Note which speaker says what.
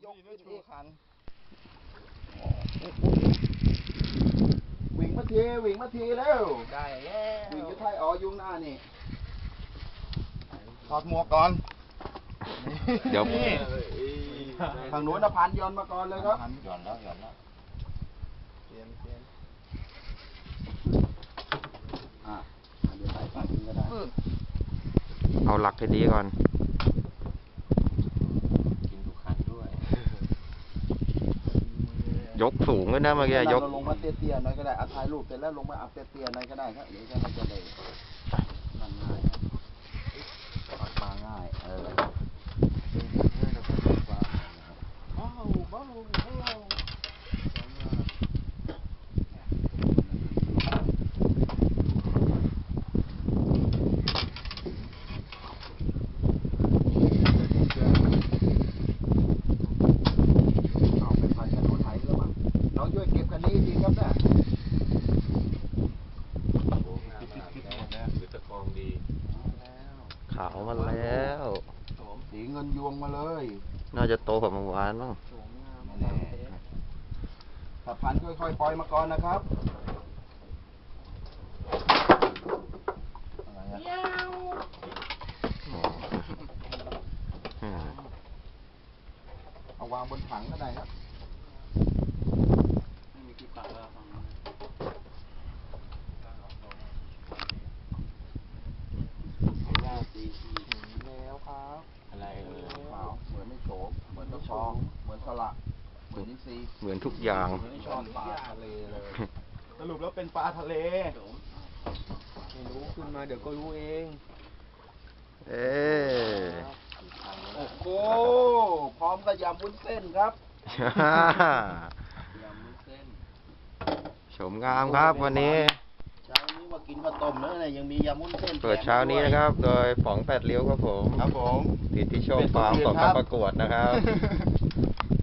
Speaker 1: ยกขึ้นอีกขัน
Speaker 2: วิ่งมาทีแล้ว
Speaker 1: ได้แล้ว
Speaker 2: วิ่งจะไทยยุงหน้านี่
Speaker 1: ถอดหมวกก่อน
Speaker 3: เดี๋ยว
Speaker 2: ทางโน้นนะพันย้อนมาก่อนเลยครับ
Speaker 1: หย่อนแล้วเปลี่ยน
Speaker 2: เดี๋ยวใส่ปลากินก็ได้
Speaker 3: เอาหลักให้ดีก่อน
Speaker 1: กินทุกขันด้วย
Speaker 3: ยกสูงด้วยนะเมื่อกี้ยก
Speaker 2: เราลงมาเตี้ยๆหน่อยก็ได้เอาถ่ายรูปเสร็จแล้วลงมาอัพเตี้ยๆหน่อยก็ได้ครับเดี๋ยวจะมันจะได้มันง่ายครับปักปลาง่ายเบาเอาไปพันกันรถไถแล้วมั้งน้องช่วยเก็บคันนี้ดีครับเนี่ย
Speaker 1: หรือตะกองดี
Speaker 3: ขาวมาแล้ว
Speaker 2: สีเงินยวงมาเลย
Speaker 3: น่าจะโตกว่าเมื่อวานบ้าง
Speaker 2: ไม่แน่ถ้าพันค่อยๆปล่อยมาก่อนนะครับอะไรอะ
Speaker 3: อืม
Speaker 2: เอาวางบนถังก็ได้ครับ
Speaker 1: ไม่มีที่ปักแล้วฟัง
Speaker 2: หน้าสีแล้วครับ
Speaker 1: อะไร
Speaker 2: เปล่าเหมือนไม่โฉมเหมือนตะชองเหมือนสละเหมือนนิซี
Speaker 3: เหมือนทุกอย่าง
Speaker 2: เหมือนช้อนปลาทะเลเลย สรุปแล้วเป็นปลาทะเลไม่รู้ขึ้นมาเดี๋ยวก็รู้เอง
Speaker 3: เอ๊ะ
Speaker 2: โอ้โหพร้อมกับยำวุ้นเส้นครับยำวุ้นเส้น
Speaker 3: ชมงามครับวันนี้
Speaker 2: เช้านี้มากินข้าวต้มแล้วเนี่ยยังมียำวุ้นเส้น
Speaker 3: เปิดเช้านี้นะครับ โดยป๋องแปดเลี้ยวครับผม
Speaker 2: ครับผม
Speaker 3: ติดที่โชว์ฟาร์มของการประกวดนะครับ